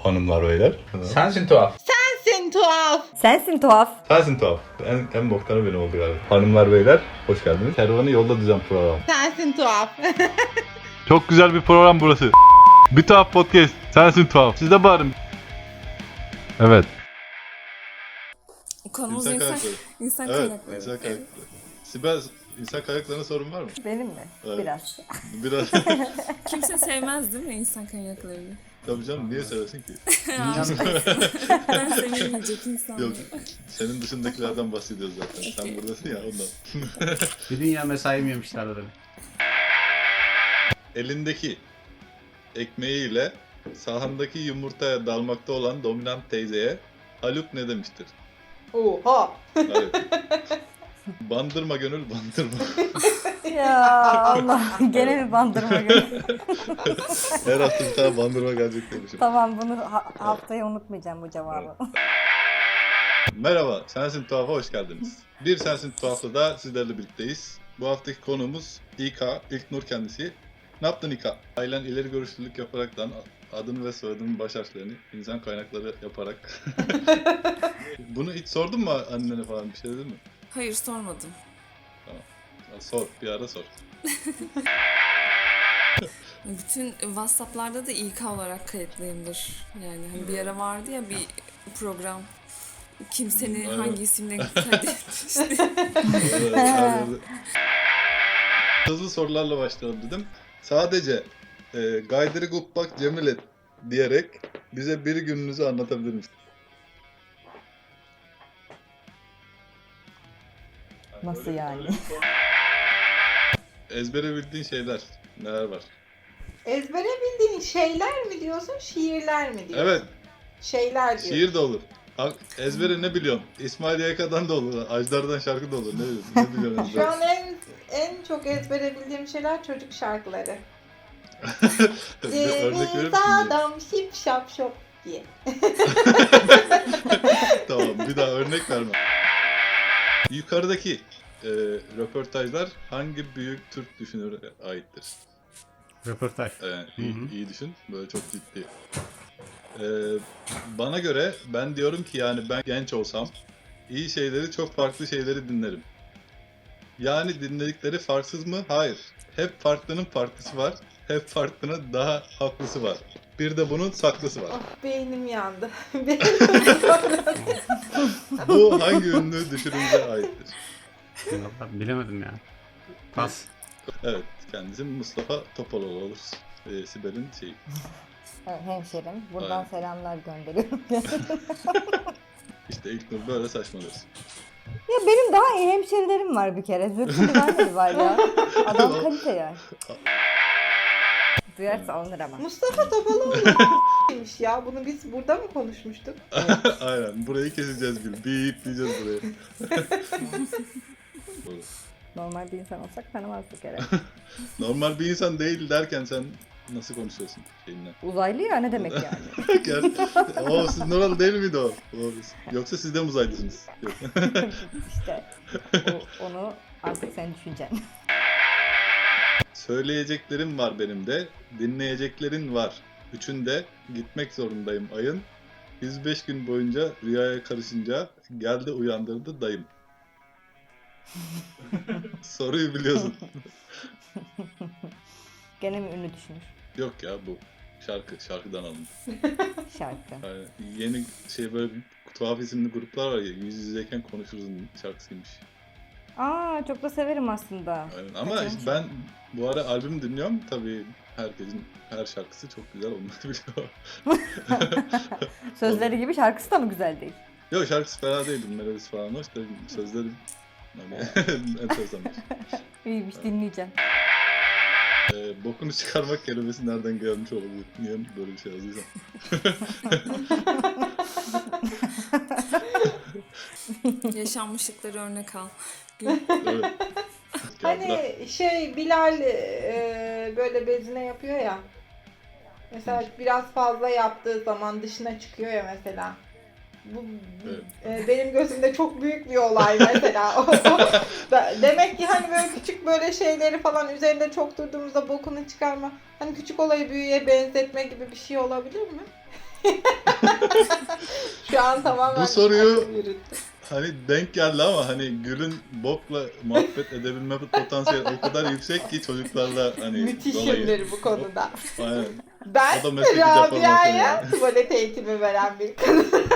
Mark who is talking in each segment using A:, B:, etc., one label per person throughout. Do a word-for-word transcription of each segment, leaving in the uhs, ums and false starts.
A: hanımlar beyler.
B: Sensin tuhaf.
C: Sensin tuhaf.
D: Sensin tuhaf.
A: Sensin tuhaf. En, en boktanı benim oldu galiba. Hanımlar beyler hoş geldiniz. Kervanı yolda düzen program.
C: Sensin tuhaf.
A: Çok güzel bir program burası. Bir tuhaf podcast. Sensin tuhaf. Siz de bağırın. Evet.
E: Konumuz
A: İnsan
E: insan,
A: kaynakları.
E: insan
A: Evet.
E: kaynakları.
A: İnsan kaynakları. Sibel, insan kaynaklarına sorun var mı?
D: Benim mi?
A: Evet.
D: Biraz.
A: Biraz.
E: Kimse sevmez değil mi insan kaynaklarını?
A: Tabii canım niye seversin ki?
E: Ben sevilmeyecek insan.
A: Yok. Senin dışındakilerden bahsediyoruz zaten. Sen buradasın ya ondan.
B: Bir dünya mesaim yemişler arada.
A: Elindeki ekmeğiyle sahandaki yumurtaya dalmakta olan dominant teyzeye Haluk ne demiştir?
C: Oha.
A: Evet. Bandırma gönül bandırma.
D: Ya Allah. Gene mi bandırma günü?
A: Her hafta bir tane bandırma gelecek demişim.
D: Tamam, bunu ha- haftaya unutmayacağım bu cevabı.
A: Merhaba, Sensin Tuhaf'a hoş geldiniz. Bir Sensin Tuhaf'ta da sizlerle birlikteyiz. Bu haftaki konuğumuz İK, İlknur kendisi. Ne yaptın İK? Ailen ileri görüşlülük yaparaktan adını ve soyadının baş harflerini insan kaynakları yaparak. Bunu hiç sordun mu annene falan, bir şey dedin mi?
E: Hayır, sormadım.
A: Ya sor, bir ara sor.
E: Bütün WhatsApp'larda da İK olarak kayıtlıyımdır. Yani hani bir ara vardı ya bir program. Kim seni
A: Evet.
E: hangi isimle kaydetmişti?
A: Evet, her yerde. Hızlı sorularla başlayalım dedim. Sadece e, Gaydırı Gubbak Cemilet diyerek bize bir gününüzü anlatabilir misiniz?
D: Nasıl yani?
A: Ezbere bildiğin şeyler neler var?
C: Ezbere bildiğin şeyler mi diyorsun, şiirler mi diyorsun?
A: Evet,
C: Şeyler diyorsun.
A: şiir de olur. Ha, ezbere ne biliyorsun? İsmail Yayka'dan da olur, Ajdar'dan şarkı da olur. Ne biliyorsun? Ne biliyorsun
C: Şu
A: ezbere?
C: an en en çok ezbere bildiğim şeyler çocuk şarkıları.
A: Bir örnek verir
C: Ceviz
A: misin?
C: adam şip şap şop diye.
A: Tamam, bir daha örnek verme. Yukarıdaki e, röportajlar hangi büyük Türk düşünüre aittir?
B: Röportaj.
A: Evet, iyi,
B: Hı hı.
A: iyi düşün. Böyle çok ciddi. Ee, bana göre ben diyorum ki yani ben genç olsam iyi şeyleri, çok farklı şeyleri dinlerim. Yani dinledikleri farksız mı? Hayır. Hep farklının farklısı var. Hep farklının daha haklısı var. Bir de bunun saklısı var.
C: Oh, beynim yandı. Beynim
A: Bu hangi ünlü düşününce aittir?
B: Vallahi bilemedim ya. Pas.
A: Evet, kendisi Mustafa Topaloğlu olur. Ee, Sibel'in şeyi.
D: Evet, hemşerim. Buradan
A: Aynen.
D: selamlar gönderiyorum.
A: İşte ilk nur böyle saçmalıyorsun.
D: Ya benim daha iyi hemşerilerim var bir kere. Zülfü Livaneli var ya. Adam kalite ya. Duyarsa alınır ama.
C: Mustafa Topaloğlu neymiş ya? Bunu biz burada mı konuşmuştuk?
A: Aynen, burayı keseceğiz Gül. Bip diyeceğiz buraya.
D: Normal bir insan olsak tanımazdık herhalde.
A: Normal bir insan değil derken sen nasıl konuşuyorsun şeyinle?
D: Uzaylı ya, ne demek yani?
A: Gel. Oo, siz Noralı değil miydi o? O- Yoksa siz de mi uzaylısınız? Yok.
D: İşte o, onu artık sen düşüneceksin.
A: Söyleyeceklerim var benim de, dinleyeceklerin var. Üçünde gitmek zorundayım ayın. yüz beş gün boyunca rüyaya karışınca geldi uyandırdı dayım. Soruyu biliyorsun.
D: Gene mi ünlü düşünür?
A: Yok ya, bu şarkı, şarkıdan alındı.
D: Şarkı.
A: Yani yeni şey, böyle tuhaf isimli gruplar var ya, yüz yüzeyken konuşuruzun şarkısıymış.
D: Aa, çok da severim aslında.
A: Aynen. Ama
D: Kaçırmış.
A: işte ben bu ara albüm dinliyorum. Tabii herkesin her şarkısı çok güzel olmak biliyor.
D: Sözleri gibi şarkısı da mı güzel değil?
A: Yok, şarkısı fena değildi. Melodisi falan hoş da sözleri hani enteresanmış.
D: İyiymiş, dinleyeceğim.
A: Ee, bokunu çıkarmak kelimesi nereden gelmiş olabilir? Niye böyle bir şey yazdıysam?
E: Yaşanmışlıkları örnek al.
A: Evet. Gel bırak.
C: Hani şey Bilal e, böyle bezine yapıyor ya. Mesela biraz fazla yaptığı zaman dışına çıkıyor ya mesela. Bu
A: Evet.
C: e, benim gözümde çok büyük bir olay mesela. O- o- da- Demek ki hani böyle küçük böyle şeyleri falan üzerinde çok durduğumuzda bokunu çıkarma. Hani küçük olayı büyüye benzetme gibi bir şey olabilir mi? Şu an tamamen
A: Bu soruyu-
C: akıl yürüttü.
A: Hani denk geldi ama hani Gül'ün Bob'la muhabbet edebilme potansiyeli o kadar yüksek ki çocuklarla hani dolayı.
C: Müthişimdir bu konuda.
A: Aynen.
C: Ben
A: O da mesleki deformasyon
C: Rabia'ya
A: yani.
C: tuvalet eğitimi veren bir kadın.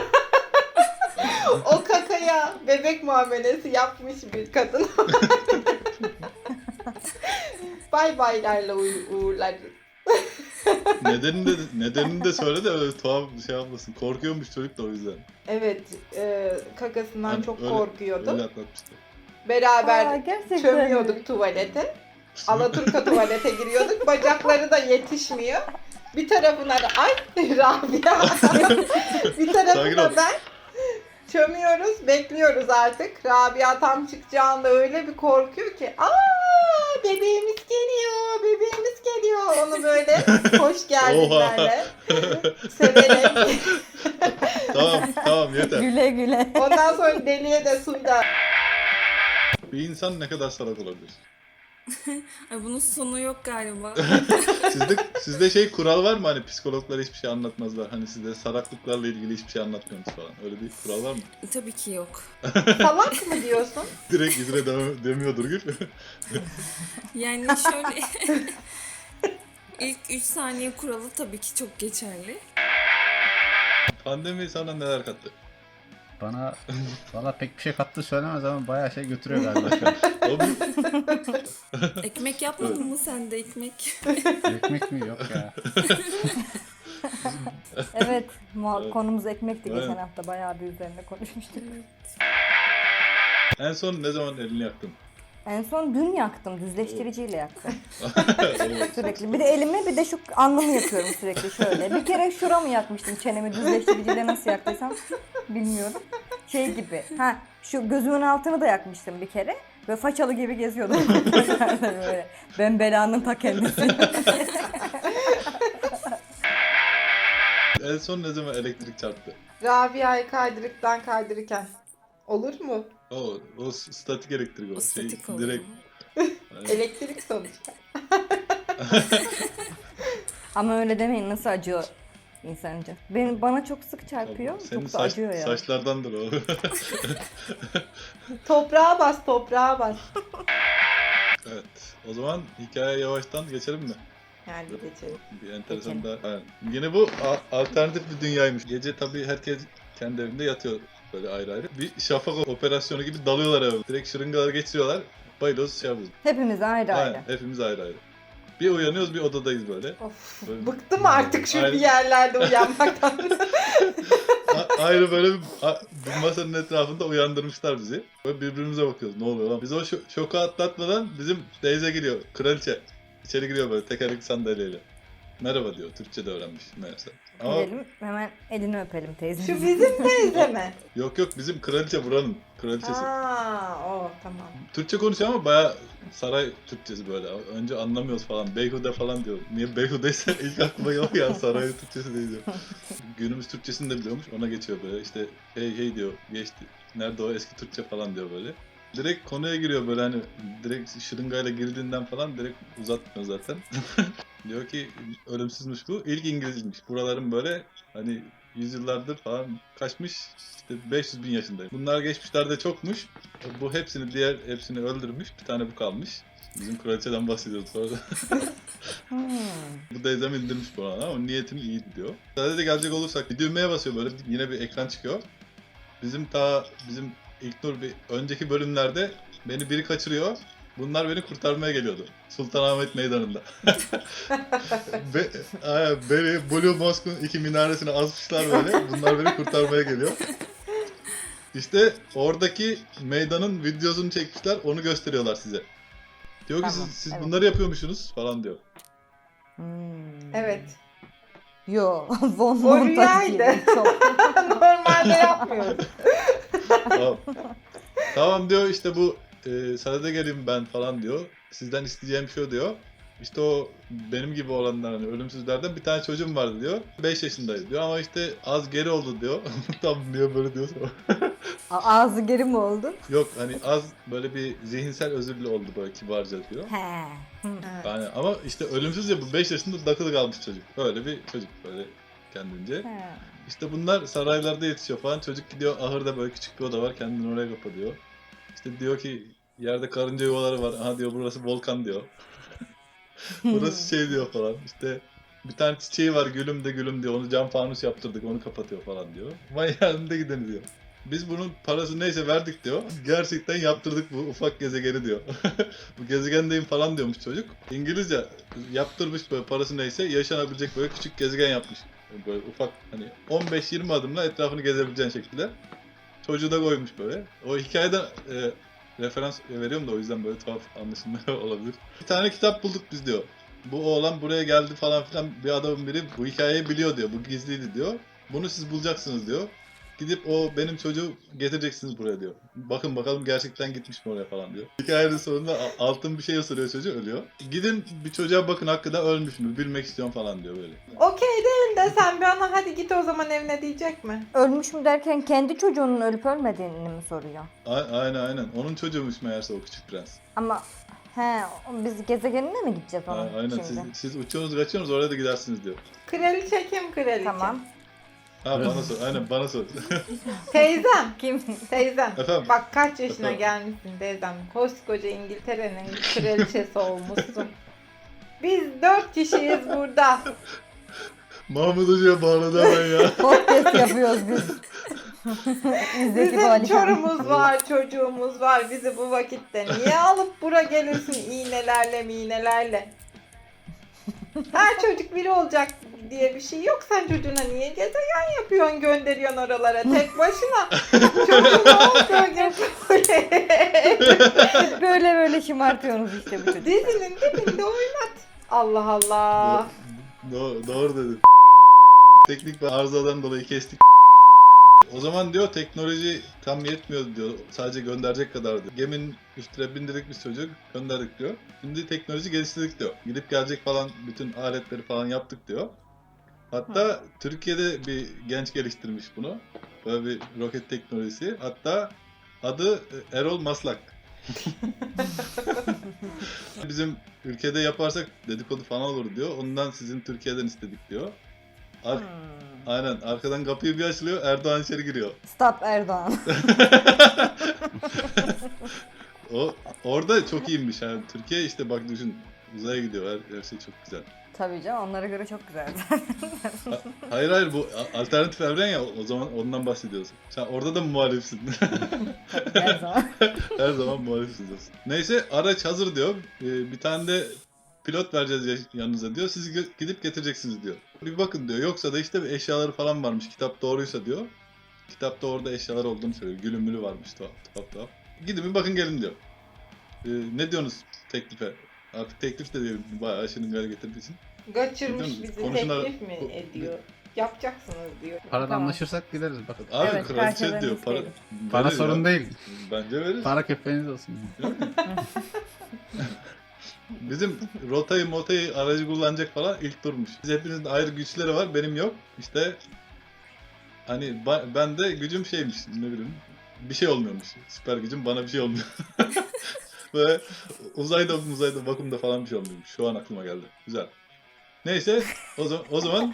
C: O kakaya bebek muamelesi yapmış bir kadın. Bay baylarla uğ- uğurlarız.
A: Nedenini de, nedenini de söyle de öyle tuhaf bir şey yapmasın. Korkuyormuş çocuk da o yüzden.
C: Evet, e, kakasından
A: Hani
C: çok
A: öyle-
C: korkuyordu.
A: Öyle atlatmıştı.
C: Beraber
D: Aa, gerçekten mi?
C: çömüyorduk tuvalete. Alaturka tuvalete giriyorduk. Bacakları da yetişmiyor. Bir tarafına da ay Rabia. Bir
A: Sakin
C: tarafına
A: ol.
C: ben. Çömüyoruz, bekliyoruz artık. Rabia tam çıkacağında öyle bir korkuyor ki aa bebeğimiz geliyor, bebeğimiz geliyor. Onu böyle hoş geldinlerle severek.
A: Tamam tamam yeter.
D: Güle güle.
C: Ondan sonra deliye de suyla.
A: Bir insan ne kadar salak olabilir?
E: Ay bunun sonu yok galiba.
A: Sizde, sizde şey kural var mı hani psikologlar hiçbir şey anlatmazlar. Hani sizde salaklıklarla ilgili hiçbir şey anlatmıyorsunuz falan. Öyle bir kural var mı?
E: Tabii ki yok.
C: Salak mı diyorsun?
A: Direkt izine dem- demiyordur Gül.
E: Yani şöyle ilk üç saniye kuralı tabii ki çok geçerli.
A: Pandemi sana neler kattı?
B: Bana valla pek bir şey kattı söylemez ama bayağı şey götürüyor galiba şu an.
A: O bir...
E: Ekmek yapmadın mı sen de ekmek?
B: Ekmek mi? Yok ya.
D: Evet, muha-
A: Evet.
D: konumuz ekmekti geçen
A: Aynen.
D: hafta. Bayağı bir üzerine konuşmuştuk.
A: En son ne zaman elini yaktın?
D: En son dün yaktım, düzleştiriciyle yaktım.
A: Oo.
D: Sürekli. Bir de elimi bir de şu alnımı yakıyorum sürekli şöyle. Bir kere şuramı yakmıştım çenemi düzleştiriciyle nasıl yaktıysam bilmiyorum. Şey gibi. Ha şu gözümün altını da yakmıştım bir kere. Böyle façalı gibi geziyordum. Böyle. Ben belanın ta kendisi.
A: En son ne zaman elektrik çarptı?
C: Rabia'yı kaydırıktan kaydırırken. Olur mu?
A: O, o statik elektrik o.
E: O
A: Şey,
E: statik oldu.
A: direkt. Hani
C: Elektrik sonuçta.
D: Ama öyle demeyin, nasıl acıyor insanca. Benim bana çok sık çarpıyor.
A: Senin
D: Çok da
A: saç,
D: acıyor ya.
A: saçlardandır o.
C: Toprağa bas, toprağa bas.
A: Evet. O zaman hikaye yavaştan geçelim mi?
C: Yani geçelim.
A: Bir enteresan
D: Geçelim.
A: da. Aynen. Yine bu a- alternatif bir dünyaymış. Gece tabii herkes kendi evinde yatıyor böyle ayrı ayrı. Bir şafak operasyonu gibi dalıyorlar eve. Direkt şırıngaları geçiriyorlar. Bayılıyoruz şey yapıyoruz.
D: Hepimiz ayrı ayrı.
A: Aynen. Hepimiz ayrı ayrı. Bir uyanıyoruz bir odadayız böyle.
C: Of,
A: Böyle-
C: bıktım artık şu
A: Aynen.
C: bir yerlerde uyanmaktan.
A: A- ayrı böyle bir, a- bir masanın etrafında uyandırmışlar bizi. Böyle birbirimize bakıyoruz. Ne oluyor lan? Biz o şo- şoku atlatmadan bizim teyze giriyor. Kraliçe. İçeri giriyor böyle tekerlekli sandalyeyle. Merhaba diyor. Türkçe de öğrenmiş meğerse. Ama
D: Gidelim hemen elini öpelim teyze.
C: Şu bizim teyze mi?
A: yok yok bizim kraliçe buranın kraliçesi.
C: Aa, o tamam.
A: Türkçe konuşuyor ama baya saray Türkçesi böyle. Önce anlamıyoruz falan. Beyhude falan diyor. Niye beyhudeyse ilk aklıma geliyor ya saray Türkçesi değil diyor. Günümüz Türkçesini de biliyormuş. Ona geçiyor böyle. İşte hey hey diyor. Geçti. Nerede o eski Türkçe falan diyor böyle. Direkt konuya giriyor böyle hani direkt şırıngayla girdiğinden falan direkt uzatmıyor zaten. Diyor ki ölümsüzmüş bu. İlk İngilizmiş. Buraların böyle hani yüzyıllardır falan kaçmış. İşte beş yüz bin yaşındayım. Bunlar geçmişlerde çokmuş. Bu hepsini diğer hepsini öldürmüş. Bir tane bu kalmış. Bizim kraliçeden bahsediyoruz orada.
D: Hmm.
A: Bu teyzem indirmiş bu arada ama niyetim iyiydi diyor. Sadece gelecek olursak bir düğmeye basıyor böyle yine bir ekran çıkıyor. Bizim ta bizim İlknur bir önceki bölümlerde beni biri kaçırıyor. Bunlar beni kurtarmaya geliyordu. Sultanahmet Meydanı'nda. Be, aynen, beni Blue Mosque'un iki minaresine asmışlar böyle. Bunlar beni kurtarmaya geliyor. İşte oradaki meydanın videosunu çekmişler. Onu gösteriyorlar size. Diyor ki
D: Tamam,
A: siz, siz
D: evet.
A: bunları yapıyormuşsunuz falan diyor.
D: Hmm.
C: Evet.
D: Yo, von
C: O
D: Montague
C: rüyaydı.
D: gibi çok.
C: Normalde yapmıyoruz.
A: Tamam. Tamam diyor işte bu e, sana da geleyim ben falan diyor. Sizden isteyeceğim şu diyor. İşte o benim gibi olanlar hani ölümsüzlerden bir tane çocuğum vardı diyor. beş yaşındaydı diyor ama işte az geri oldu diyor. Tam niye böyle diyorsa.
D: A- Ağzı geri mi oldu?
A: Yok hani az böyle bir zihinsel özürlü oldu böyle kibarca diyor.
D: He. Hı.
A: Yani ama işte ölümsüz ya bu beş yaşında takılı kalmış çocuk. Böyle bir çocuk böyle kendince.
D: He.
A: İşte bunlar saraylarda yetişiyor falan. Çocuk gidiyor ahırda böyle küçük bir oda var. Kendini oraya kapatıyor. İşte diyor ki yerde karınca yuvaları var. Aha diyor burası volkan diyor. Burası şey diyor falan. İşte bir tane çiçeği var gülüm de gülüm diyor. Onu cam fanus yaptırdık onu kapatıyor falan diyor. Manyağında gideni diyor. Biz bunun parası neyse verdik diyor. Gerçekten yaptırdık bu ufak gezegeni diyor. Bu gezegendeyim falan diyormuş çocuk. İngilizce yaptırmış böyle parası neyse yaşanabilecek böyle küçük gezegen yapmış. Böyle ufak hani on beş yirmi adımla etrafını gezebileceğin şekilde. Çocuğu da koymuş böyle. O hikayeden e, referans veriyorum da o yüzden böyle tuhaf anlaşılma olabilir. Bir tane kitap bulduk biz diyor. Bu oğlan buraya geldi falan filan bir adamın biri bu hikayeyi biliyor diyor. Bu gizliydi diyor. Bunu siz bulacaksınız diyor. Gidip o benim çocuğu getireceksiniz buraya diyor. Bakın bakalım gerçekten gitmiş mi oraya falan diyor. Hikayenin sonunda a- altın bir şey ısırıyor çocuğu ölüyor. Gidin bir çocuğa bakın hakikaten ölmüş mü bilmek istiyorum falan diyor böyle.
C: Okey değil de sen bir ona hadi git o zaman evine diyecek mi?
D: Ölmüş mü derken kendi çocuğunun ölüp ölmediğini mi soruyor?
A: A- aynen aynen. Onun çocuğuymuş meğerse o küçük prens.
D: Ama he biz gezegenine mi gideceğiz
A: A-
D: onun
A: aynen
D: şimdi?
A: siz, siz uçuyorsunuz kaçıyorsunuz oraya da gidersiniz diyor.
C: Kraliçe kim kraliçe?
D: Tamam.
A: Ha bana sor. Aynen bana sor.
C: Teyzem.
D: Kim?
C: Teyzem.
A: Efendim?
C: Bak kaç yaşına
A: Efendim?
C: gelmişsin teyzem. Koskoca İngiltere'nin kraliçesi olmuşsun. Biz dört kişiyiz burada.
A: Mahmut Hoca'ya bağladı hemen ya.
D: Podcast yapıyoruz biz. İzdeki
C: Bizim
D: valişan.
C: çorumuz var, çocuğumuz var. Bizi bu vakitte niye alıp bura gelirsin iğnelerle miğnelerle? Her çocuk biri olacak diye bir şey yok. Sen çocuğuna niye gezegen yapıyorsun, gönderiyorsun oralara tek başına? Çocuğun olduğu gibi
D: Böyle böyle şımartıyorsunuz işte bu çocuk.
C: dizinin dibinde oynat. Allah Allah.
A: Doğru, doğru dedin. Teknik ve arızadan dolayı kestik. O zaman diyor teknoloji tam yetmiyor diyor. Sadece gönderecek kadar diyor. Geminin üstüne bindirdik biz çocuk gönderdik diyor. Şimdi teknoloji geliştirdik diyor. Gidip gelecek falan bütün aletleri falan yaptık diyor. Hatta Türkiye'de bir genç geliştirmiş bunu. Böyle bir roket teknolojisi. Hatta adı Erol Maslak. Bizim ülkede yaparsak dedikodu falan olur diyor. Ondan sizin Türkiye'den istedik diyor. Ar-
D: Hmm.
A: Aynen arkadan kapıyı bir açılıyor Erdoğan içeri giriyor.
D: Stop Erdoğan.
A: O orada çok iyiymiş yani Türkiye işte bak düşün uzaya gidiyor her, her şey çok güzel.
D: Tabii canım onlara göre çok güzel.
A: Ha- hayır hayır bu a- alternatif evren ya o zaman ondan bahsediyorsun. Sen orada da muhalifsin.
D: Her zaman.
A: Her zaman muhalifsiniz dostum. Neyse araç hazır diyor. Ee, bir tane de pilot vereceğiz ya- yanınıza diyor. Siz gö- gidip getireceksiniz diyor. Bir bakın diyor. Yoksa da işte bir eşyaları falan varmış. Kitap doğruysa diyor. Kitapta orada eşyalar olduğunu söylüyor. Gülüm mülü varmış tuhaf tuhaf. tuhaf. Gidin bir bakın gelin diyor. Ee, ne diyorsunuz teklife? Artık teklif de diyelim. Bayağı aşının gari getirdiği için.
C: Kaçırmış
A: Biliyor musun?
C: bizi
A: Konuşmalar-
C: teklif mi
A: bu-
C: ediyor? Yapacaksınız diyor.
B: Parada
D: Tamam.
B: anlaşırsak gideriz bakın.
A: Abi
D: Evet,
A: kraliçe
D: karşılığını
A: diyor. Para,
D: isteyelim.
B: Para
A: veririz
B: sorun
A: ya.
B: değil.
A: Bence veririz.
B: Para köpeğiniz olsun.
A: Bizim rotayı motayı aracı kullanacak falan ilk durmuş. Biz hepinizin ayrı güçleri var benim yok. İşte hani ba- ben de gücüm şeymiş ne bileyim bir şey olmuyormuş. Süper gücüm bana bir şey olmuyor. Ve uzayda uzayda vakumda falan bir şey olmuyormuş. Şu an aklıma geldi. Güzel. Neyse o zaman o zaman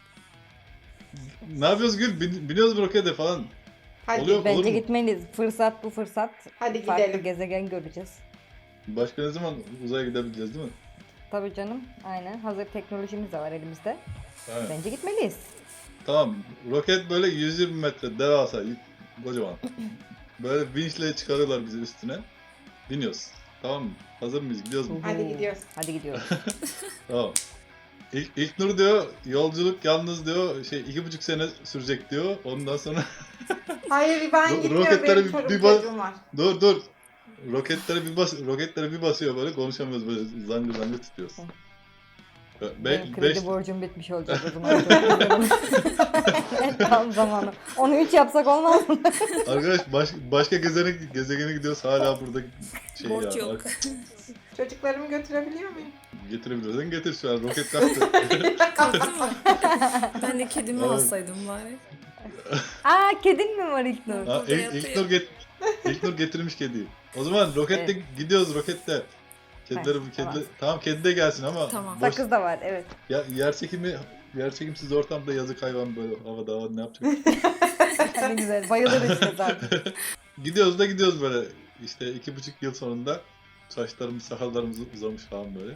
A: ne yapıyoruz Gül? Bin, biniyoruz bu rokete falan.
C: Hadi
A: Oluyor.
D: Bence
A: mu?
D: gitmeliyiz. Fırsat bu fırsat.
C: hadi
D: Farklı
C: gidelim.
D: gezegen göreceğiz.
A: Başka ne zaman uzaya gidebileceğiz değil mi?
D: Tabii canım. Aynen. Hazır teknolojimiz de var elimizde.
A: Aynen.
D: Bence gitmeliyiz.
A: Tamam. Roket böyle yüz yirmi metre devasa, kocaman. Böyle vinçle çıkarıyorlar bizi üstüne. Biniyoruz. Tamam mı? Hazır mıyız? Gidiyoruz mu?
C: Hadi gidiyoruz.
D: Hadi gidiyoruz.
A: Tamam. İlk, ilk Nur diyor, yolculuk yalnız diyor, şey iki buçuk sene sürecek diyor. Ondan sonra
C: Hayır ben
A: Ro-
C: gitmiyorum.
A: roketlere
C: Benim
A: bir-
C: çorum
A: bir bak-
C: çocuğum var.
A: dur dur. Roketlere bir bas, roketlere bir basıyor böyle konuşamıyoruz böyle zangır zangır tutuyoruz. Be,
D: Benim kredi
A: beş,
D: borcum bitmiş olacak o zaman. Çok güzel olur. Evet, tam zamanı. Onu üç yapsak olmaz mı?
A: arkadaş baş, başka gezegene, gezegene gidiyoruz hala burada şey
E: Borç
A: ya.
E: yok.
C: Çocuklarımı götürebiliyor muyum?
A: Getirebiliyorsan getir şu an roket kalktı.
E: Kalktı mı? Ben de kedimi
A: Evet.
E: alsaydım bari.
D: Aa kedin mi var İlknur?
A: Ha,
E: Burada
A: ilk,
E: yatıyor.
A: ilk Nur get, ilk Nur getirmiş kediyi. O zaman rokette
D: Evet.
A: gidiyoruz rokette. Kedileri bu
D: tamam.
A: kedi tamam kedi de gelsin ama
E: Tamam.
A: boş,
D: Sakız da var evet.
A: ya, yer çekimi Yerçekimsiz ortamda yazık hayvan böyle havada havada ne yapacak?
D: Ne güzel. Bayılır işte zaten.
A: Gidiyoruz da gidiyoruz böyle. İşte iki buçuk yıl sonunda saçlarımız, sakallarımız uzamış falan böyle.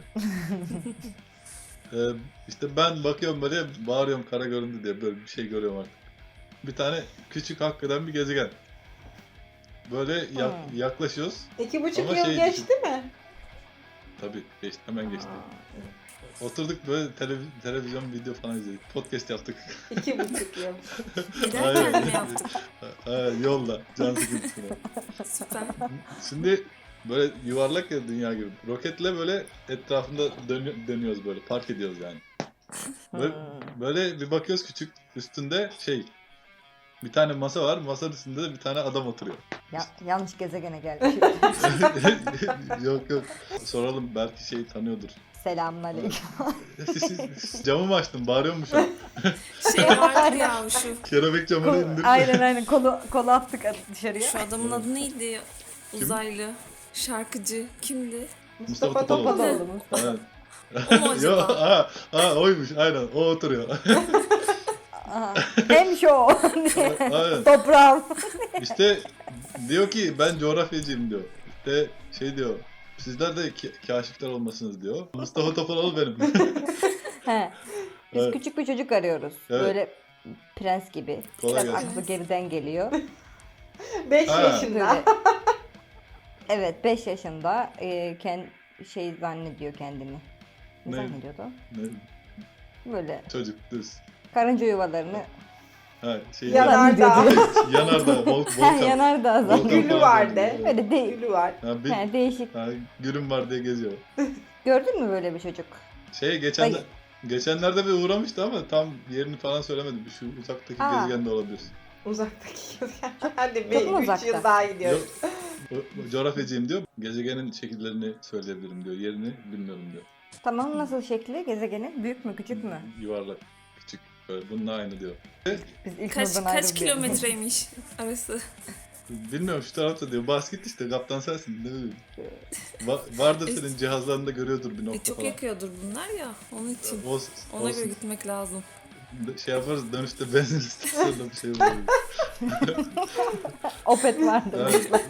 A: ee, işte ben bakıyorum böyle bağırıyorum kara göründü diye böyle bir şey görüyorum artık. Bir tane küçük hakikaten bir gezegen. Böyle yak-
D: Hmm.
A: yaklaşıyoruz.
C: İki buçuk
A: Ama
C: yıl
A: şey
C: geçti mi?
A: Tabii geçti, hemen geçti. Oturduk böyle televiz- televizyon video falan izledik. Podcast yaptık.
C: İki buçuk yıl.
E: Giderken mi yaptık?
A: Ha, yolda. Can sıkıntısına.
E: Süper.
A: Şimdi böyle yuvarlak ya dünya gibi. Roketle böyle etrafında dönü- dönüyoruz böyle. Park ediyoruz yani. Böyle, böyle bir bakıyoruz küçük üstünde şey. Bir tane masa var. Masanın üstünde de bir tane adam oturuyor.
D: Ya, yanlış gezegene geldik.
A: Yok yok. Soralım belki şey tanıyordur.
D: Selamünaleyküm.
A: Camı mı açtın? Bağırıyor mu şu an?
E: Şey vardır ya şu.
A: Kelebek camını
D: Kol-
A: indir.
D: aynen aynen kolu kolu attık dışarıya.
E: Şu adamın adı neydi? Uzaylı. Şarkıcı. Kimdi?
C: Mustafa
A: Mustafa Topaloğlu.
C: Topaloğlu.
D: Mustafa.
A: Evet.
E: O mu
A: Yo,
E: acaba?
A: aa, aa, oymuş aynen o oturuyor.
D: Aha. Hem şu.
A: Aynen.
D: Toprağım.
A: İşte diyor ki ben coğrafyacıyım diyor. İşte şey diyor. Sizler de ki- kaşifler olmasınız diyor. Mustafa Topaloğlu benim.
D: He. Biz
A: Evet.
D: küçük bir çocuk arıyoruz.
A: Evet.
D: Böyle prens gibi.
A: Kolay
D: Biraz
A: gelsin.
D: aklı geriden geliyor.
C: Beş
A: Ha.
C: yaşında.
D: Böyle. Evet beş yaşında e, kend, şey zannediyor kendini. Ne,
A: Ne?
D: zannediyordu?
A: Ne,
D: Böyle
A: çocuk düz.
D: karınca yuvalarını
A: Ha, şey
C: Yanardağ.
A: Yanardağ, vol,
D: Ha,
A: volkan.
D: yanardağ
A: Volkan
D: zannediyor.
C: Gülü
A: falan
C: var
A: diyor.
C: de.
D: Böyle değil.
C: Gülü var.
A: Ha, bir,
D: He, değişik.
A: ha, gülüm var diye geziyor.
D: Gördün mü böyle bir çocuk?
A: Şey geçen
D: Hayır.
A: geçenlerde bir uğramıştı ama tam yerini falan söylemedi. Şu uzaktaki
D: Aa.
A: gezegen de olabilir.
C: Uzaktaki gezegen. Hadi
D: Çok
C: bir
D: mu
C: üç
D: uzakta?
C: yıl daha gidiyoruz.
A: Yok. O- o coğrafyacıyım diyor. Gezegenin şekillerini söyleyebilirim diyor. Yerini bilmiyorum diyor.
D: Tamam nasıl şekli gezegenin? Büyük mü küçük mü?
A: Yuvarlak, küçük. Böyle bununla aynı diyor.
D: Biz ilk
E: Kaç,
D: nurdan
E: kaç
D: ayrılıyoruz.
E: kilometreymiş arası?
A: Bilmiyorum şu tarafta diyor. Bas git işte kaptan sensin. Ne bileyim. Va- vardır senin cihazlarında görüyordur bir
E: E,
A: nokta
E: çok
A: falan.
E: yakıyordur bunlar ya. Onun için.
A: O,
E: Ona
A: olsun.
E: göre gitmek lazım.
A: Şey yaparız dönüşte benzin istasyonunda bir şey olur.
D: Opet vardı.
A: Evet.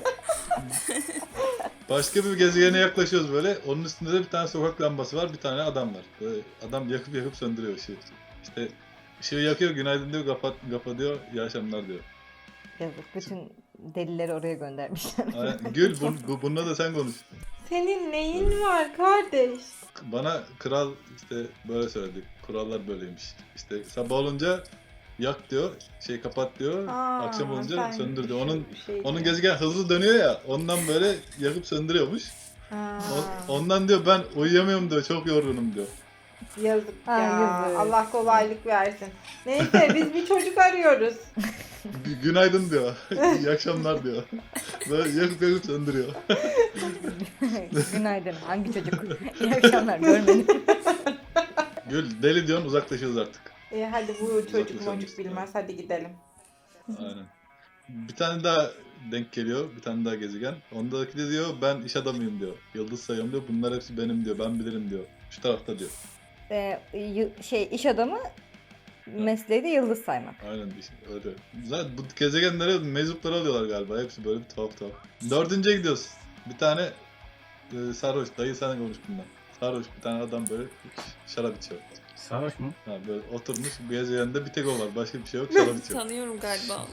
A: Başka bir gezegene yaklaşıyoruz böyle. Onun üstünde de bir tane sokak lambası var. Bir tane adam var. Böyle adam yakıp yakıp söndürüyor ışığı. İşte ışığı yakıyor. Günaydın diyor. Kapat, kapat diyor. İyi akşamlar diyor.
D: Yazık. Bütün delileri oraya göndermişler.
A: Aynen. Gül bu, bu, bununla da sen konuş.
C: Senin neyin var kardeş?
A: Bana kral işte böyle söyledi. Kurallar böyleymiş. İşte sabah olunca yak diyor. Şey kapat diyor.
C: Aa,
A: akşam olunca
C: sen
A: söndür diyor. Onun
C: bir şey
A: onun
C: diyor.
A: gezegen hızlı dönüyor ya. Ondan böyle yakıp söndürüyormuş.
C: Ha,
A: O- ondan diyor ben uyuyamıyorum diyor. Çok yorgunum diyor.
C: yazık
D: Ha,
C: ya.
D: yazık.
C: Allah kolaylık versin. Neyse biz bir çocuk arıyoruz.
A: Gü- Günaydın diyor. İyi akşamlar diyor. Böyle yakıp yakıp söndürüyor.
D: Günaydın. Hangi çocuk? İyi akşamlar. Görmedim.
A: Gül deli diyorsun uzaklaşıyoruz artık.
C: E, hadi bu çocuk
A: Uzaklaşalım
C: mocuk
A: işte.
C: bilmez. Hadi gidelim.
A: Aynen. Bir tane daha denk geliyor. Bir tane daha gezegen. Ondaki de diyor ben iş adamıyım diyor. Yıldız sayıyorum diyor. Bunlar hepsi benim diyor. Ben bilirim diyor. Şu tarafta diyor.
D: Ee, y- şey iş adamı mesleği de yıldız saymak.
A: Aynen işte öyle. Zaten bu gezegenlere meczupları alıyorlar galiba. Hepsi böyle bir tuhaf tuhaf. Dördüncüye gidiyoruz. Bir tane e, sarhoş. Dayı sen konuş bundan. Sarhoş bir tane adam böyle şarap içiyor.
B: Sarhoş mu?
A: Ha, böyle oturmuş bu gezegende bir tek o var. Başka bir şey yok. Şarap içiyor.
E: Tanıyorum galiba.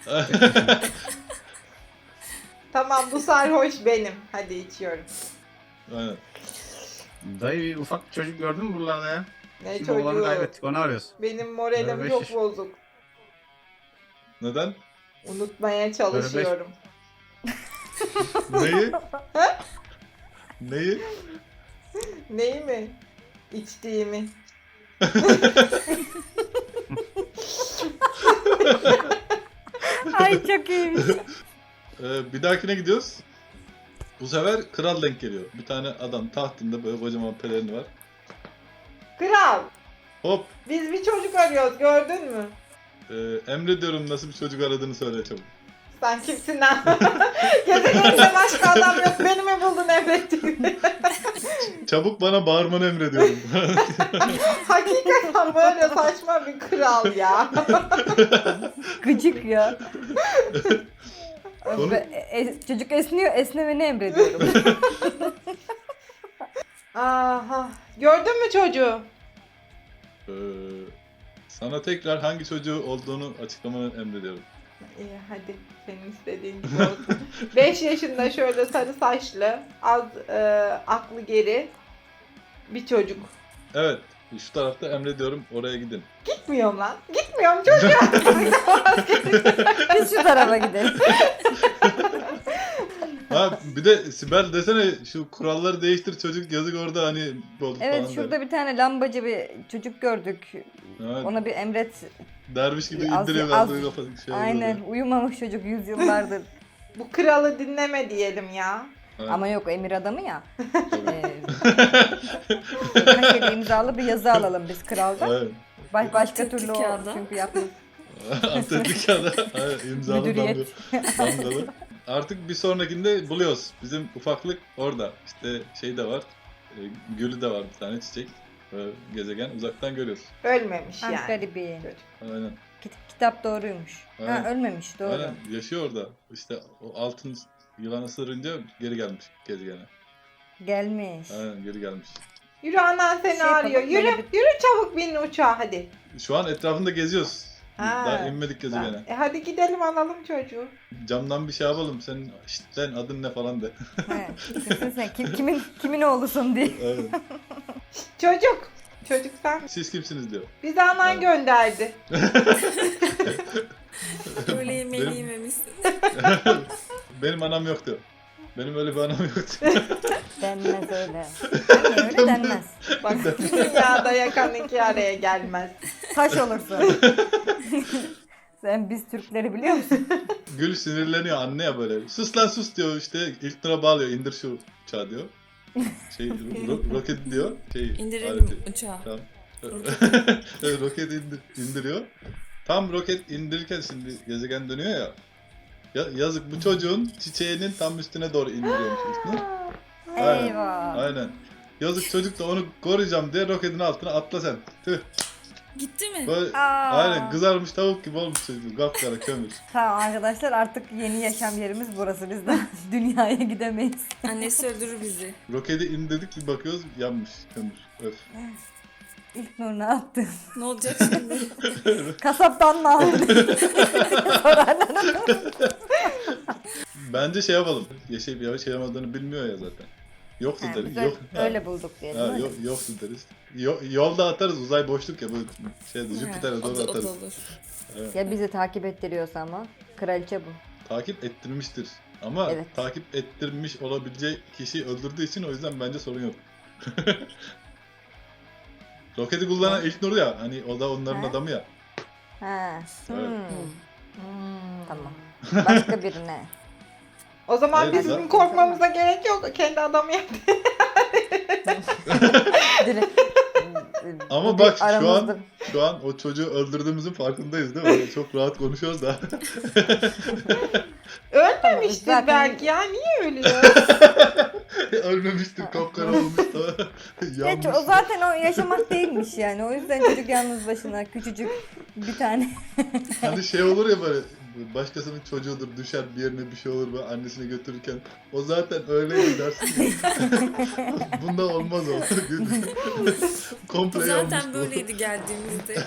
C: Tamam bu sarhoş benim. Hadi içiyorum.
A: Aynen.
B: Dayı bir ufak çocuk gördün mü buralarda ya?
C: Ne
B: Şimdi oğlanı
C: çocuğu?
B: kaybettik onu arıyoruz.
C: Benim moralim
B: Böyle
C: çok
B: beş-
C: bozuk.
A: Neden?
C: Unutmaya çalışıyorum.
A: Neyi? Neyi?
C: Neyi mi? İçtiğimi.
D: Ay çok iyiymiş.
A: Ee, bir dahakine gidiyoruz. Bu sefer kral denk geliyor. Bir tane adam tahtında böyle kocaman pelerini var.
C: Kral,
A: Hop.
C: biz bir çocuk arıyoruz gördün mü?
A: E, emrediyorum nasıl bir çocuk aradığını söyle çabuk.
C: Sen kimsin lan? Gezegeninde başka adam yok. Beni mi buldun emrettiğini?
A: Çabuk bana bağırmanı emrediyorum.
C: Hakikaten böyle saçma bir kral ya.
D: Gıcık ya.
A: Onu-
D: Ve e- çocuk esniyor, esnemeni emrediyorum.
C: Aha. Gördün mü çocuğu?
A: Ee, sana tekrar hangi çocuğu olduğunu açıklamanı emrediyorum.
C: İyi hadi. Senin istediğin gibi olsun. beş yaşında şöyle sarı saçlı, az e, aklı geri bir çocuk.
A: Evet, şu tarafta emrediyorum, oraya gidin.
C: Gitmiyorum lan. Gitmiyorum çocuğa.
D: Biz şu tarafa gidelim.
A: Ha bir de Sibel desene şu kuralları değiştir çocuk yazık orada hani oldu
D: Evet
A: falan
D: şurada
A: der.
D: bir tane lambacı bir çocuk gördük.
A: Evet,
D: Ona bir emret.
A: derviş gibi
D: Az-
A: indiriyor
D: az-
A: kaldığı kafası şey oluyor.
D: Aynen uyumamış çocuk yüzyıllardır.
C: Bu kralı dinleme diyelim ya.
A: Evet,
D: Ama yok emir adamı ya.
A: tabii.
D: Ee, birkaç yere imzalı bir yazı alalım biz kraldan.
A: Evet.
D: Baş, başka
E: Atlettik
D: türlü o
E: kağıda.
D: çünkü yapmıyor.
A: Atletik ya da evet, imzalı
D: Müdüriyet.
A: damga- damgalı. Artık bir sonrakinde buluyoruz. Bizim ufaklık orada. İşte şey de var. E, gülü de var bir tane çiçek. Böyle gezegen uzaktan görüyoruz.
C: Ölmemiş
D: Ha,
C: yani.
D: garibi.
C: Çocuk.
A: Aynen.
D: Kit- kitap doğruymuş.
A: Aynen.
D: Ha ölmemiş doğru.
A: Aynen. Yaşıyor orada. İşte o altın yılan ısırınca geri gelmiş gezegene.
D: Gelmiş.
A: Aynen geri gelmiş.
C: Yürü anan seni
D: Şey yapalım,
C: arıyor. Yürü,
D: böyle
C: yürü çabuk bin uçağa hadi.
A: Şu an etrafında geziyoruz.
C: Ha.
A: Daha inmedik gezegene.
C: E hadi gidelim alalım çocuğu.
A: Camdan bir şey yapalım. Senin işte sen adın ne falan de.
D: He, kimsin sen? Kim, kimin kimin oğlusun diye.
A: Evet.
C: Çocuk. Çocuk sen.
A: Siz kimsiniz diyor.
C: Bizi anan
A: Evet.
C: gönderdi.
E: Öyle yemeğini
A: Benim-
E: yememişsin.
A: Benim anam yok diyor. Benim öyle bir anam yok.
D: Denmez öyle. Anne öyle denmez.
C: Bak dünyada yakan iki araya gelmez.
D: Taş olursun. Sen biz Türkleri biliyor musun?
A: Gül sinirleniyor anne ya böyle. Sus lan sus diyor işte. İlk lira bağlıyor. İndir şu uçağı diyor. Şey ro- roket diyor. Şey,
E: İndirelim
A: aleti.
E: uçağı.
A: Tamam. Evet, roket indir, indiriyor. Tam roket indirirken şimdi gezegen dönüyor ya. Ya yazık bu çocuğun çiçeğinin tam üstüne doğru indiriyormuş üstüne. Aynen.
D: Eyvah.
A: Aynen. Yazık çocuk da onu koruyacağım diye roketin altına atla sen. Tüh.
E: Gitti mi?
A: Böyle,
D: Aa.
A: aynen kızarmış tavuk gibi olmuş çocuk. Kapkara kömür.
D: Tamam arkadaşlar artık yeni yaşam yerimiz burası. Biz de dünyaya gidemeyiz.
E: Annesi öldürür bizi.
A: Roketi indirdik bir bakıyoruz yanmış kömür. Öf.
D: İlk nur ne yaptın?
E: Ne olacak şimdi?
D: Kasaptan mı aldın?
A: Bence şey yapalım. Yaşayıp yaşayamadığını bilmiyor ya zaten. Yoktu
D: Ha,
A: deriz.
D: biz
A: Yok.
D: öyle, öyle bulduk diyelim.
A: Ha,
D: öyle.
A: yok, yoktu deriz. Yo- yolda atarız uzay boşluk ya bu şeyde Jüpiter'e
E: Ha, o
A: doğru
E: da- o da
A: atarız.
E: olur.
A: Evet.
D: Ya bizi takip ettiriyorsa ama. Kraliçe bu.
A: Takip ettirmiştir. Ama
D: Evet.
A: takip ettirmiş olabileceği kişiyi öldürdüğü için o yüzden bence sorun yok. Roketi kullanan ilk Nur ya. Hani o da onların
D: Ha?
A: adamı ya.
D: Ha. Hmm.
A: Evet.
C: Hmm.
D: Tamam. Başka birine.
C: O zaman
A: Hayır,
C: bizim
A: zaten-
C: korkmamıza gerek yok. Kendi adamı yaptı.
D: Direkt.
A: Ama
D: Bir
A: bak şu
D: aramızda-
A: an şu an o çocuğu öldürdüğümüzün farkındayız değil mi? Çok rahat konuşuyoruz da.
C: Ölmemiştir
D: Zaten-
C: belki ya. Niye ölüyor?
A: Ölmemiştir, kapkara olmuş da.
D: Geç,
A: Yanmış.
D: o zaten o yaşamak değilmiş yani. O yüzden çocuk yalnız başına küçücük bir tane.
A: Hani şey olur ya böyle başkasının çocuğudur düşer bir yerine bir şey olur böyle annesini götürürken o zaten öyleydi dersin ya. Bunda olmaz o. Komple yanmış
E: Zaten
A: bu.
E: böyleydi geldiğimizde.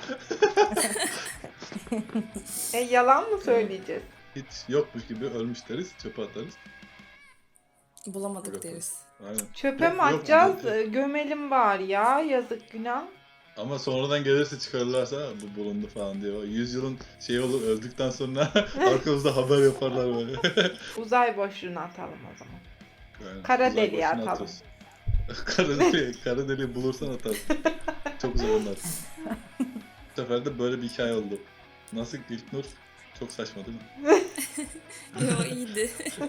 C: e, yalan mı söyleyeceğiz?
A: Hiç yokmuş gibi ölmüş deriz çöpe atarız.
E: Bulamadık
A: Yok.
E: deriz.
A: Aynen.
C: Çöpe
A: Yok-
C: mi
A: yok
C: atacağız?
A: mu?
C: E, Gömelim bari ya. Yazık günah.
A: Ama sonradan gelirse çıkarırlarsa bu bulundu falan diye. O yüz yılın şey olur öldükten sonra arkamızda haber yaparlar böyle.
C: Uzay boşluğuna atalım o zaman.
A: Yani
C: Kara
A: uzay
C: deliğe
A: boşluğuna
C: atalım.
A: atıyoruz. kara deliği, kara deliği bulursan atarsın. Çok güzel onlar. Bu sefer de böyle bir hikaye oldu. Nasıl ilk Nur? Çok saçma değil mi?
E: Yo iyiydi.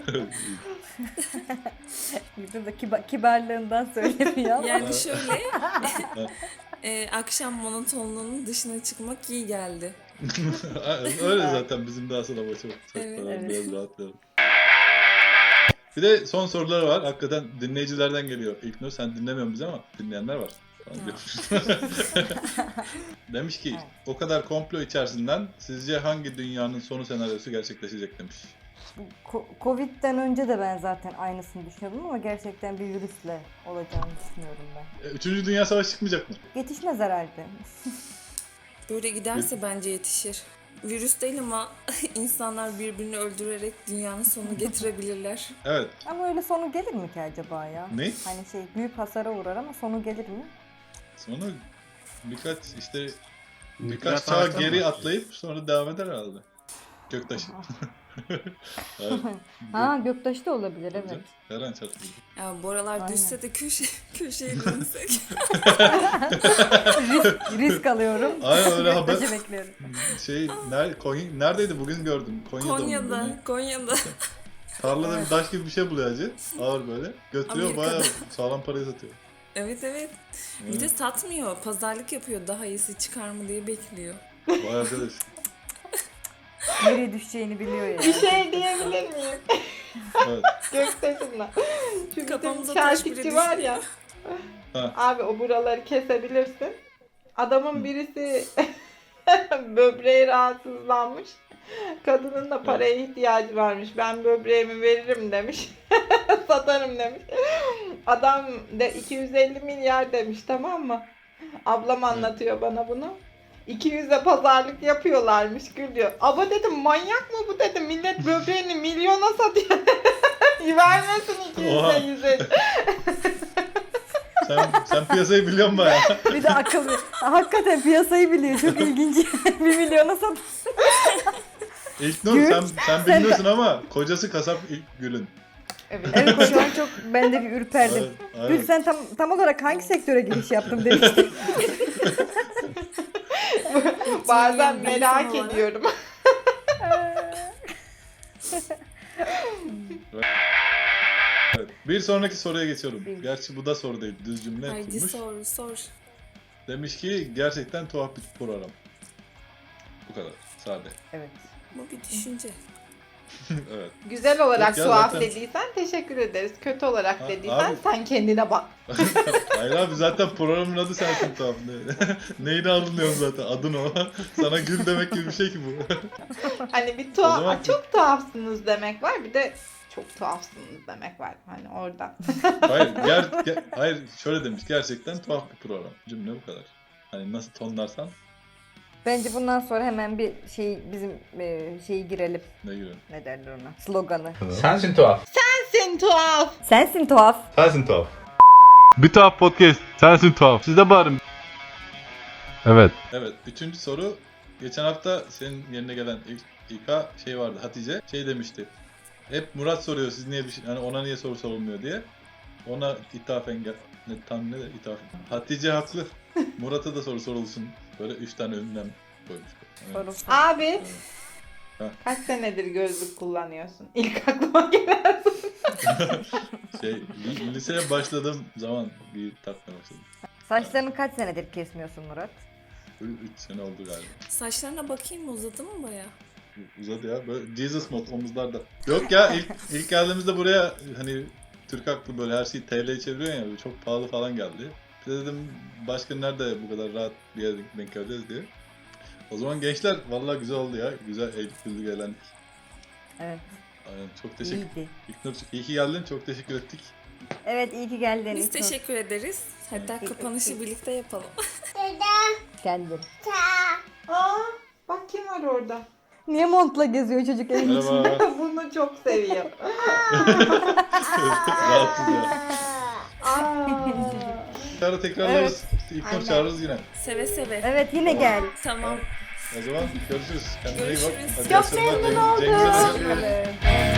D: Bizim de kiba- kibarlığından söylemiyor ama.
E: Yani şöyle e, akşam monotonluğunun dışına çıkmak iyi geldi.
A: Öyle zaten bizim daha sonra maçı
E: Evet,
D: evet.
A: biraz rahatlayalım. Bir de son soruları var. Hakikaten dinleyicilerden geliyor. İlknur sen dinlemiyorsun bizi ama dinleyenler var. Tamam,
E: Ya.
A: görüşürüz. Demiş ki o kadar komplo içerisinden sizce hangi dünyanın sonu senaryosu gerçekleşecek demiş.
D: Ko- Covid'den önce de ben zaten aynısını düşünüyordum ama gerçekten bir virüsle olacağını düşünüyorum ben.
A: E, Üçüncü Dünya Savaşı çıkmayacak mı?
D: Yetişmez herhalde.
E: Böyle giderse bence yetişir. Virüs değil ama insanlar birbirini öldürerek dünyanın sonunu getirebilirler.
A: Evet.
D: Ama öyle sonu gelir mi ki acaba ya?
A: Ne?
D: Hani şey büyük hasara uğrar ama sonu gelir mi?
A: Sonra birkaç işte
B: Nükleer
A: birkaç çağ
B: savaştan mı
A: geri
B: başlıyor?
A: atlayıp sonra devam eder herhalde. Göktaşı. Hayır,
D: Ha göktaşı da olabilir evet.
A: Her an çarpıldı.
E: Ya bu aralar
D: Aynen.
E: düşse de köşe, köşeye dönsek.
D: risk, risk alıyorum.
A: Aynen öyle haber.
D: Göktaşı bekliyorum.
A: Şey nerede, Konya, neredeydi bugün gördüm. Konya'da. mı?
E: Konya'da, Konya'da.
A: Tarlada bir taş gibi bir şey buluyor hacı. Ağır böyle. Götürüyor
E: Amerika'da.
A: bayağı sağlam parayı satıyor.
E: Evet evet. Bir de satmıyor. Pazarlık yapıyor. Daha iyisi çıkar mı diye bekliyor.
A: Vay arkadaş.
D: Nereye düşeceğini biliyor ya.
C: Bir şey diyebilir miyim?
A: Evet.
C: Göktaşımla. Şu
E: Kafamıza
C: bizim
E: taş bile
C: şarkıcı var ya.
A: Ha.
C: Abi o buraları kesebilirsin. Adamın birisi böbreği rahatsızlanmış. Kadının da paraya ihtiyacı varmış. Ben böbreğimi veririm demiş. Satarım demiş. Adam da iki yüz elli milyar demiş, tamam mı? Ablam anlatıyor bana bunu. iki yüze pazarlık yapıyorlarmış, gül diyor. Aba dedim, manyak mı bu dedim. Millet böbreğini milyona satıyor. Vermesin
A: Oha.
C: iki yüze yüze.
A: Sen, sen piyasayı biliyorsun bayağı.
D: Bir de akıllı. Hakikaten piyasayı biliyor. Çok ilginç. Bir milyona sat.
A: İlk Nur
D: Gül,
A: sen, sen bilmiyorsun ama kocası kasap ilk Gül'ün.
C: Evet.
D: Evet şu an çok ben de bir ürperdim.
A: Aynen,
D: Gül
A: aynen.
D: sen tam tam olarak hangi sektöre giriş yaptın demiştin.
C: Bazen
E: Bir
C: merak
E: insan olarak.
C: ediyorum.
A: Evet. Bir sonraki soruya geçiyorum.
D: Bir.
A: Gerçi bu da soru değil. Düz cümle
E: Haydi
A: kurmuş.
E: sor sor.
A: Demiş ki gerçekten tuhaf bir program. Bu kadar. Sade.
D: Evet.
E: Bu bir düşünce.
A: Evet.
C: Güzel olarak
A: Yok ya,
C: tuhaf
A: zaten-
C: dediysen teşekkür ederiz. Kötü olarak
A: Ha,
C: dediysen
A: abi-
C: sen kendine bak.
A: Hayır abi zaten programın adı sensin tuhaf. Ne- Neyini anlıyorsun zaten adın o. Sana Gül demek gibi bir şey ki bu.
C: Hani bir
A: O
C: tuhaf,
A: zaman-
C: çok tuhafsınız demek var, bir de çok tuhafsınız demek var. Hani oradan.
A: Hayır, ger, ger- hayır şöyle demiş. Gerçekten tuhaf bir program. Cümle bu kadar. Hani nasıl tonlarsan
D: Bence bundan sonra hemen bir şey bizim e, şeyi girelim.
A: ne gibi.
D: Ne derler ona? Sloganı.
F: Sensin tuhaf.
C: Sen tuhaf.
D: Sensin tuhaf.
A: Sensin tuhaf. Bir tuhaf podcast. Sensin tuhaf. Siz de bağırın. Evet. Evet. Üçüncü soru. Geçen hafta senin yerine gelen ilk İK şey vardı. Hatice şey demişti. Hep Murat soruyor siz niye bir şey, hani ona niye soru sorulmuyor diye. Ona ithafen gel. Ne tam ne de ithaf. Hatice haklı. Murat'a da soru sorulsun. Böyle üç tane ünlem koymuş. Evet.
D: Sorulsun.
C: Abi
A: Ha.
C: kaç senedir gözlük kullanıyorsun? İlk aklıma gelen.
A: Şey li- liseye başladığım zaman bir takmaya başladım.
D: Saçlarını kaç senedir kesmiyorsun Murat?
A: üç sene oldu galiba.
E: Saçlarına bakayım mı, uzadı mı baya?
A: Uzadı ya. Böyle Jesus mod omuzlarda. Yok ya ilk ilk geldiğimizde buraya hani Türk haklı böyle her şeyi T L'ye çeviriyor ya böyle çok pahalı falan geldi. Bir de dedim başka nerede bu kadar rahat bir yere denk geleceğiz diye. O zaman gençler vallahi güzel oldu ya. Güzel eğlendik, güldük, eğlendik.
D: Evet.
A: Aynen, çok teşekkür
D: İyiydi.
A: İlknur, iyi ki geldin. Çok teşekkür ettik.
D: Evet iyi ki geldin.
E: Biz
D: İlknur.
E: teşekkür ederiz. Hatta kapanışı birlikte yapalım.
D: Geldin.
C: Aa, bak kim var orada.
D: Niye montla geziyor çocuk evin içinde?
A: Merhaba.
C: Bunu çok seviyor.
A: Rahatsız ya.
C: Aa.
A: Tekrar tekrarlarız. İlknur
C: Aynen.
A: çağırırız yine.
E: Seve seve.
D: Evet yine gel.
E: Tamam.
A: O zaman görüşürüz. Kendine iyi bak.
E: Görüşürüz.
A: Hadi
C: Çok
A: akşamlar.
C: memnun
A: Cengiz-
C: oldum.
A: Cengiz'e de-
D: Evet.